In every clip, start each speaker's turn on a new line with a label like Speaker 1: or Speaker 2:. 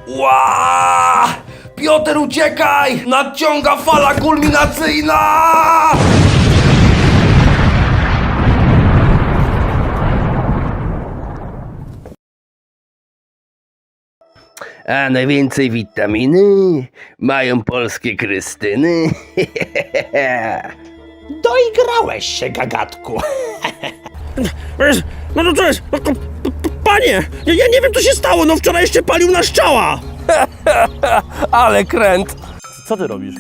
Speaker 1: Ła! Piotr, uciekaj! Nadciąga fala kulminacyjna! A najwięcej witaminy mają polskie Krystyny.
Speaker 2: Doigrałeś się, gagatku.
Speaker 3: No to co jest? Panie, ja nie wiem co się stało, no wczoraj jeszcze palił na szczała!
Speaker 1: Ale kręt!
Speaker 3: Co ty robisz?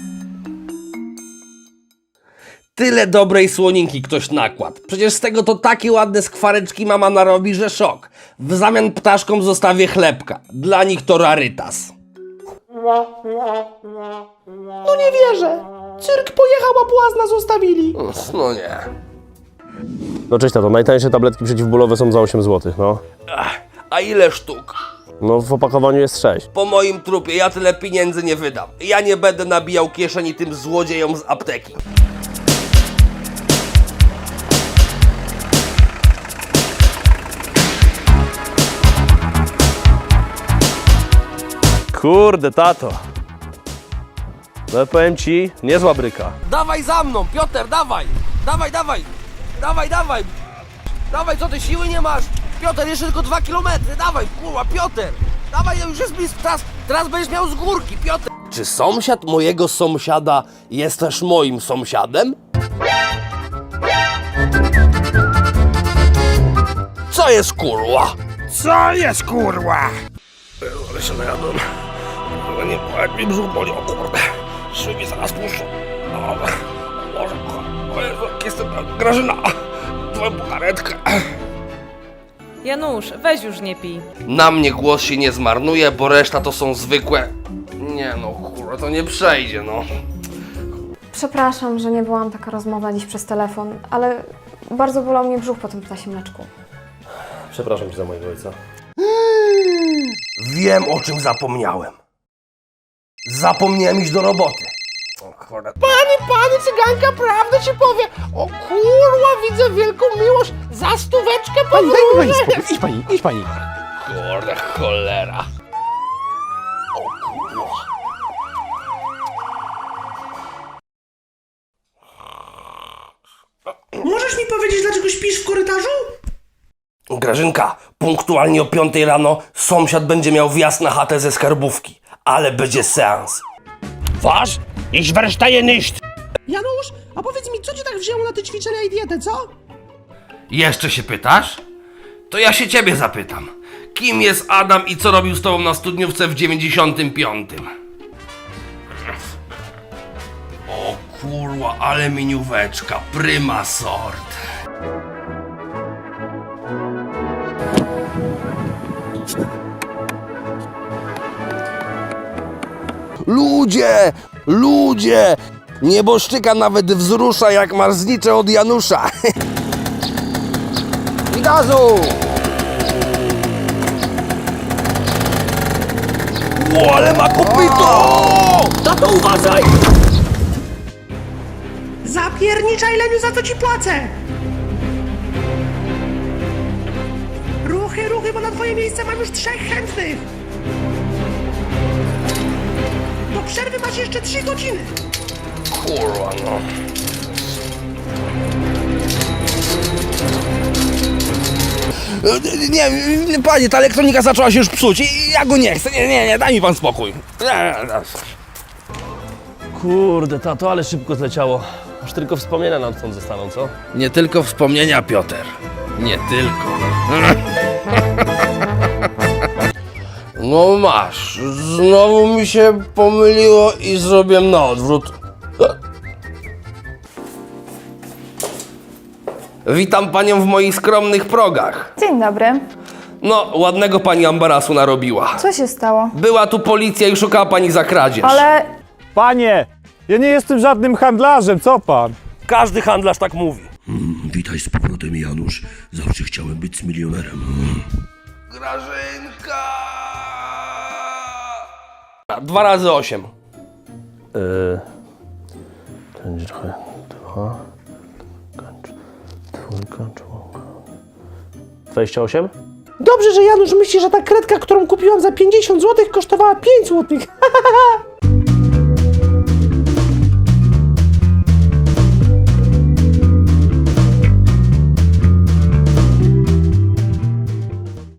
Speaker 1: Tyle dobrej słoninki ktoś nakładł. Przecież z tego to takie ładne skwareczki mama narobi, że szok. W zamian ptaszkom zostawię chlebka. Dla nich to rarytas.
Speaker 2: No nie wierzę. Cyrk pojechał, a błazna zostawili.
Speaker 1: No nie.
Speaker 4: No cześć tato, najtańsze tabletki przeciwbólowe są za 8 zł, no.
Speaker 1: A ile sztuk?
Speaker 4: No w opakowaniu jest 6.
Speaker 1: Po moim trupie ja tyle pieniędzy nie wydam. Ja nie będę nabijał kieszeni tym złodziejom z apteki.
Speaker 4: Kurde tato. No powiem ci, niezła bryka.
Speaker 1: Dawaj za mną, Piotr, dawaj! Dawaj, dawaj! Dawaj, dawaj! Dawaj, co ty, siły nie masz? Piotr, jeszcze tylko 2 kilometry, dawaj, kurwa, Piotr! Dawaj, już jest blisko, teraz będziesz miał z górki, Piotr! Czy sąsiad mojego sąsiada jest też moim sąsiadem? Co jest, kurwa?
Speaker 3: Co jest kurwa?
Speaker 1: Ale się najadłem. Ale nie, jak mi brzuch boli, o kurde. Szyby zaraz puszczą. O Boże, o Jezu, jak jestem Grażyna. Twoją karetkę.
Speaker 5: Janusz, weź już nie pij.
Speaker 1: Na mnie głos się nie zmarnuje, bo reszta to są zwykłe... Nie no, kurwa, to nie przejdzie, no.
Speaker 6: Przepraszam, że nie byłam taka rozmowa dziś przez telefon, ale bardzo bolał mnie brzuch po tym ptasim mleczku.
Speaker 4: Przepraszam cię za mojego ojca.
Speaker 1: Wiem, o czym zapomniałem. Zapomniałem iść do roboty. O kurde.
Speaker 2: Pani cyganka, prawdę ci powie. O kurwa, widzę wielką miłość. Za stóweczkę podróży.
Speaker 4: Idź pani.
Speaker 1: Kurde, cholera.
Speaker 2: Możesz mi powiedzieć, dlaczego śpisz w korytarzu?
Speaker 1: Grażynka, punktualnie o 5 rano sąsiad będzie miał wjazd na chatę ze skarbówki. Ale będzie seans.
Speaker 3: Was? Ich verstehe nicht!
Speaker 2: Janusz, a powiedz mi, co cię tak wzięło na te ćwiczenia i dietę, co?
Speaker 1: Jeszcze się pytasz? To ja się ciebie zapytam. Kim jest Adam i co robił z tobą na studniówce w 95? O kurwa, ale minióweczka, prima sort. Ludzie! Ludzie! Nieboszczyka nawet wzrusza jak marznicze od Janusza. I gazu! O, ale ma kopyto!
Speaker 3: Tato, uważaj!
Speaker 2: Zapierniczaj, Leniu, za co ci płacę! Ruchy, bo na twoje miejsce mam już 3 chętnych! Do przerwy masz jeszcze 3 godziny!
Speaker 1: Kurwa, no. Nie, panie, ta elektronika zaczęła się już psuć i ja go nie chcę. Nie, daj mi pan spokój.
Speaker 4: Kurde tato, ale szybko zleciało. Aż tylko wspomnienia nam stąd zostaną, co?
Speaker 1: Nie tylko wspomnienia, Piotr. Nie tylko. No masz, znowu mi się pomyliło i zrobiłem na odwrót. Witam panią w moich skromnych progach.
Speaker 6: Dzień dobry.
Speaker 1: No, ładnego pani ambarasu narobiła.
Speaker 6: Co się stało?
Speaker 1: Była tu policja i szukała pani za kradzież.
Speaker 6: Ale
Speaker 7: Panie, ja nie jestem żadnym handlarzem, co pan?
Speaker 1: Każdy handlarz tak mówi.
Speaker 8: Witaj z powrotem, Janusz. Zawsze chciałem być milionerem.
Speaker 1: Grażynka! 2 razy 8.
Speaker 4: Będzie trochę 2. Kończ. Dwójka, czwórka. 28?
Speaker 2: Dobrze, że Janusz myśli, że ta kredka, którą kupiłam za 50 zł, kosztowała 5 zł.